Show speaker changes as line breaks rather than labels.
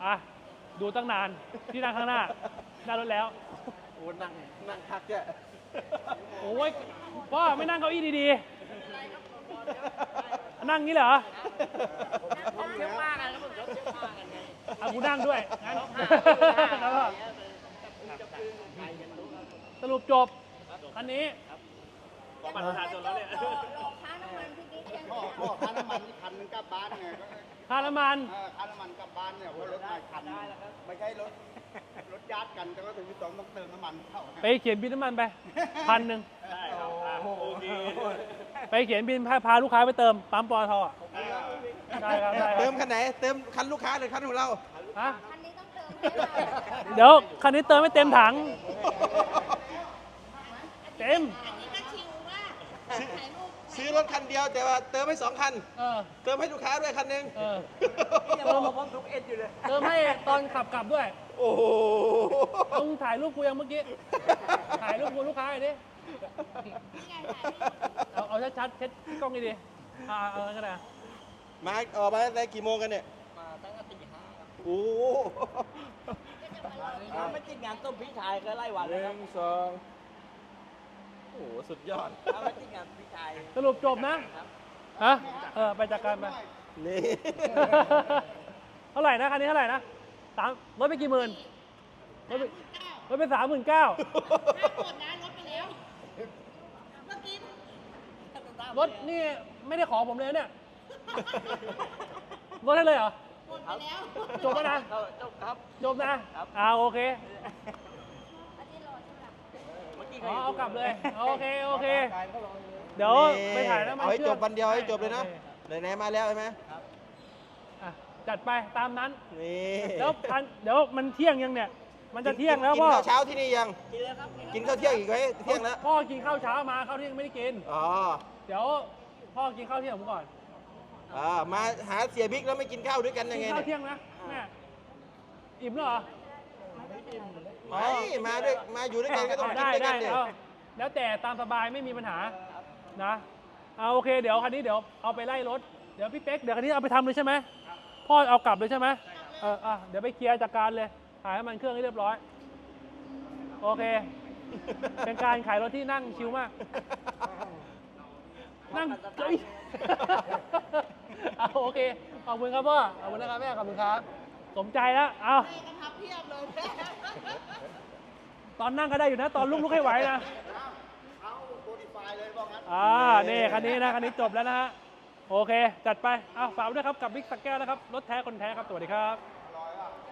อ่ะดูตั้งนานที่นั่งข้างหน้าหน้ารถแล้ว
โอ้นั่งพักแก
โอ้ยพ่อไม่นั่งเก้าอี้ดีๆนั่งงี้เหรอ
ผมเที่ยวมากกันแล้วผมชอบเที่ยวมากกันไง
เอากูนั่งด้วยงั้นแล้วก็สรุปจบคันนี้
บัตรประชาชนแล้วเนี่ย
หลอกค่าน้ำมันพี่กิ๊กเอง
พ่อค่าน้ำมันนี่คันนึงกลับบ้านไง
ค่าน้ำมัน
ค่าน้ำมันกลับบ้านเนี่ยเพราะรถมาคันไม่ใช่รถญาติกันแต่ก็ถึงต้องเติมน้ำมันเข้า
ไปเขียนบินน้ำมันไป1,000
ได้ครับโอเค
ไปเขียนบินพาลูกค้าไปเติมปั๊มปตทอ่ะได้ครับได้ค
เติ
รั
ม
บ
คันไหนเติมคันลูกค้าหรือคันของเรา
ฮะ
คันนี้ต้องเติมให้เรา
เดี๋ยวคันนี้เติมไม่เต็มถังเต็ม
อันนี้ก็ชิวว่าถ่ายรูป
ซื้อรถคันเดียวแต่ว่าเติมให้2 คัน
เออ
เติมให้ลูกค้าด้วยคันหนึง
เออ
นี่ยังมาพร้อมทุกเอ็ดอยู่เลย
เติมให้ตอนขับกลับด้วย
โอ้โห
มึงถ่ายรูปกูยังเมื่อกี้ถ่ายรูปกูลูกค้าหน่อยดิ
นี่ไงถ่ายรูป
เอาชัดๆเช็ดกล้องดีๆเอางั้นก็ได้
มาออกมาได้กี่โมงกันเนี่ย
มาตั้งแต่ตีห้าครับ
โอ้โห
ถ้าไม่ติดงานต้มพี่ชายก็ไล่วัน
ห
เลยค
นึ่
รับ
งสองโอ้โหสุดยอด
ถ้าไม่ติดงานพี่ชาย
สรุปจบนะฮะไปจัดการไป
นี่
เท่าไหร่นะคันนี้เท่าไหร่นะลดไปกี่หมื่นลดไป39,000
ถ้าหมดนะลดไปแล้ว เมื่อกี้
รถนี่ไม่ได้ขอผมเลยเนี่ยลดให้เลยเหรอ
หมดไปแล้ว
จบแล้วนะ
จบครับ
จบนะโอเค
อันนี้รอใช่ไหมเมื่อกี้
เอากลับเลยโอเคเดี๋ยวไปถ่ายน้ำมัน
เอาให้
เชื่
จ
อม
บวันเดียวให้จบเลยนะไหนๆมาแล้วใช่ไหม
อ่ะจัดไปตามนั้น
นี่
แล้วเดี๋ยวมันเที่ยงยังเนี่ย มันจะเที่ยงแล้ว
กิน
พ่อ
ข้าวเช้าที่นี่ยัง
กินเลยครับ
กินข้าวเที่ยงอีกไหมเที่ยงแล้ว
พ่อกินข้าวเช้ามาข้าวเที่ยงไม่ได้กิน
อ๋อ
เดี๋ยวพ่อกินข้าวเที่ยงผมก่อน
มาหาเสียบิ๊กแล้วไม่กินข้าวด้วยกันยัง
กิ
ไง
นข้าว
เนี่ย
เที่ยงนะแม่อิ่มแล้วเหรอ
ไม่มาด้วยมาอยู่ด้วยกันก็ต้องกิน
ได้
ด้วยกั
ได้
นเนี่ย
เอาแล้วแต่ตามสบายไม่มีปัญหานะเอาโอเคเดี๋ยวคันนี้เดี๋ยวเอาไปไล่รถเดี๋ยวพี่เป๊กเดี๋ยวคันนี้เอาไปทำเลยใช่ไหมพ่อเอากลับเลยใช่ไหมเดี๋ยวไปเคลียร์จัดการเลยถ่ายให้มันเครื่องให้เรียบร้อยโอเค เป็นการขายรถที่นั่งชิลมากนั่งเฮ้ยเอาโอเคขอบคุณครับพ่อขอบคุณนะครับแม่ขอบคุณครับสมใจแล้วเอา
ให้กันทับเพียบเลยแม่
ตอนนั่งก็ได้อยู่นะตอนลุกให้ไหวนะ
เอาโมดิฟายเลยบอกงั้น
นี่คันนี้นะคันนี้จบแล้วนะฮะ โอเค จัดไป ฝากไว้ด้วยครับกับบิ๊กสักแก้วนะครับ รถแท้คนแท้ครับ สวัสดีครับ